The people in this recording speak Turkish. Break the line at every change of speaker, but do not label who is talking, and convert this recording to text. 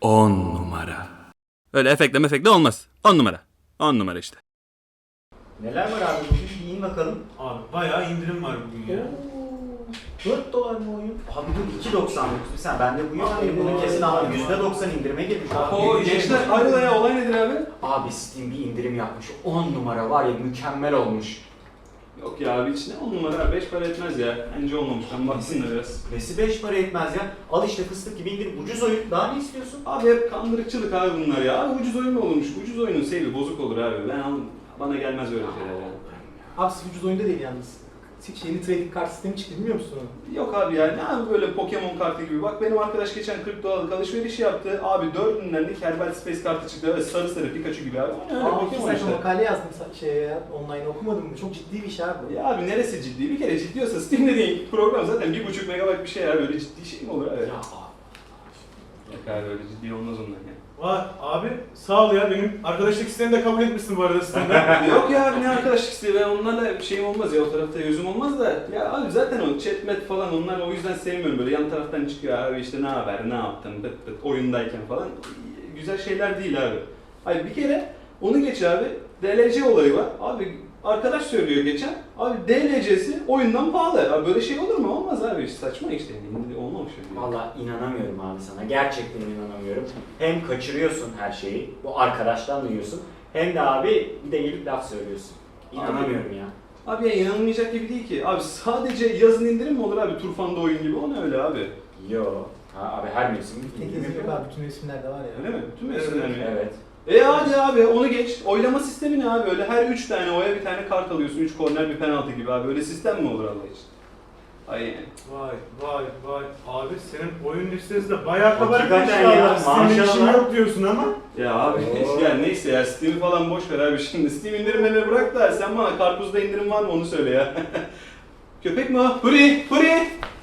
10 numara. Öyle efekle olmaz. 10 numara. 10 numara işte.
Neler var abi bugün? Bir in bakalım.
Abi bayağı indirim var bugün ya.
4 dolar mı oyun? Abi dur 2.99. Sen bende bu yok. Bunun kesin abi %90 indirime girmiş.
Oo gençler hayrola ya, olay nedir abi?
Abi Steam bir indirim yapmış. 10 numara var ya, mükemmel olmuş.
Yok ya abi, içine 10 numara 5 para etmez ya. Bence olmamış. Ben baksın da biraz.
Nesi 5 para etmez ya. Al işte fıstık gibi indirim. Ucuz oyun. Daha ne istiyorsun?
Abi hep kandırıkçılık abi bunlar ya. Abi ucuz oyun mu olmuş? Ucuz oyunun seyri bozuk olur abi. Ben aldım. Bana gelmez öyle şeyler yani.
Abi ucuz oyunda değil yalnız. Yeni trading kart sistemi çıktı, bilmiyor musun onu?
Yok abi ya, ne abi böyle Pokemon kartı gibi. Bak benim arkadaş geçen 40 dolarlık alışveriş yaptı. Abi 4'ünden de Kerbal Space kartı çıktı. Evet, sarı sarı Pikachu gibi abi. O ne öyle Pokemon
Sen
işte.
makale yazdım şeye ya, online okumadın mı? Çok ciddi bir iş abi bu.
Ya abi neresi ciddi? Bir kere ciddi olsa Steam'de değil. Program zaten 1.5 megabayt bir şey ya. Böyle ciddi şey mi olur abi?
Ya
Yok abi öyle ciddi olmaz ondan ya.
Vay abi sağ ol ya, benim arkadaşlık isteğini de kabul etmişsin bu arada sistemden.
Yok ya abi, ne arkadaşlık isteği, ben onlarla bir şeyim olmaz ya, o tarafta yüzüm olmaz da. Ya abi zaten o chatmet falan, onlar o yüzden sevmiyorum, böyle yan taraftan çıkıyor abi işte ne haber, ne yaptın, bıt bıt oyundayken falan. Güzel şeyler değil abi. Hayır bir kere onu geç abi, DLC olayı var. Abi arkadaş söylüyor geçen, abi DLC'si oyundan pahalı. Abi böyle şey olur mu? Olmaz abi, saçma işte. Olmamış yani.
Vallahi inanamıyorum abi sana. Gerçekten inanamıyorum. Hem kaçırıyorsun her şeyi. Bu arkadaştan duyuyorsun. Hem de abi bir de gelip laf söylüyorsun. İnanamıyorum ya.
Abi ya inanılmayacak gibi değil ki. Abi sadece yazın indirim mi olur abi? Turfanda oyun gibi. O ne öyle abi?
Yo. Ha, abi her mevsim
Tek
indirim
yazı yok
yapıyor.
abi, bütün resimlerde var ya.
Öyle mi? Bütün mevsimler mi?
Evet.
Hadi abi onu geç. Oylama sistemi ne abi? Öyle her 3 tane oya bir tane kart alıyorsun. 3 korner bir penaltı gibi abi. Öyle sistem mi olur Allah için? Ay yani.
Vay abi senin oyun listesi de bayağı kabarık
Hakikaten ya,
inşallah. Steam'in işin
maşallah.
yok diyorsun ama.
Ya abi
Oo.
ya neyse ya, Steam'i falan boş ver abi şimdi. Steam indirimlerini bırak da sen bana karpuzda indirim var mı onu söyle ya. Köpek mi o? Huri!